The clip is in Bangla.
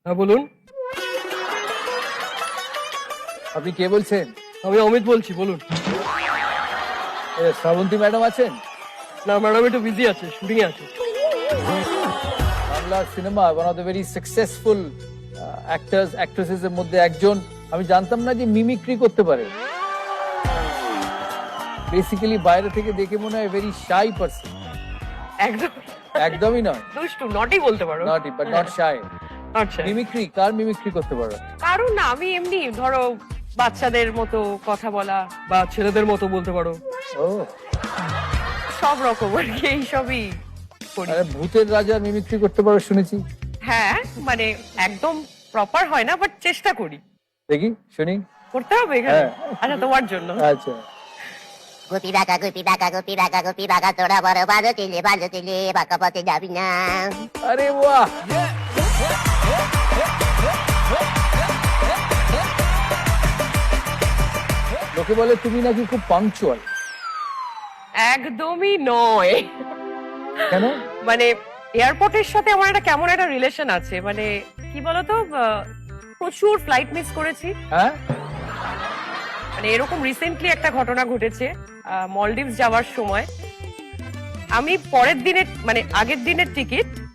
হ্যাঁ বলুন। আপনি কে বলছেন? আমি অমিত বলছি, বলুন। শ্রাবন্তী ম্যাডাম আছেন? না ম্যাডাম একটু বিজি আছে, শুটিং এ আছে। Bangla cinema one of the very successful actors actresses এর মধ্যে একজন। আমি জানতাম না যে মিমিক্রি করতে পারে। বেসিক্যালি বাইরে থেকে দেখে মনে হয় ভেরি শাই পারসন। একদম একদমই নয়, দুষ্টু, নটই বলতে পারো। Not but not shy. আচ্ছা, মিমিক্রি, কার মিমিক্রি করতে পারো? কারণ না, আমি এমনি ধরো বাচ্চাদের মতো কথা বলা বা ছেলেদের মতো বলতে পারো, ও, সব রকম আর কি, এইসবই করি। আরে ভূতের রাজার মিমিক্রি করতে পারো শুনেছি। হ্যাঁ মানে একদম প্রপার হয় না, বাট চেষ্টা করি। দেখি, শুনি। করতে হবে এখানে? হ্যাঁ। আচ্ছা, তোমার জন্য। আচ্ছা, গুপি ডাকা গুপি ডাকা গুপি ডাকা গুপি ডাকা তোরা বড় বাজো চিলে বাঁকা পথে যাবি না। আরে বাহ, লোকে বলে তুমি নাকি খুব পাংচুয়াল। একদমই নয়। কেন? মানে এয়ারপোর্টের সাথে আমার একটা কেমন একটা রিলেশন আছে, মানে কি বলতো, প্রচুর ফ্লাইট মিস করেছি। হ্যাঁ, মানে এরকম রিসেন্টলি একটা ঘটনা ঘটেছে, মলডিভস যাওয়ার সময় আমি পরের দিনের মানে আগের দিনের টিকিট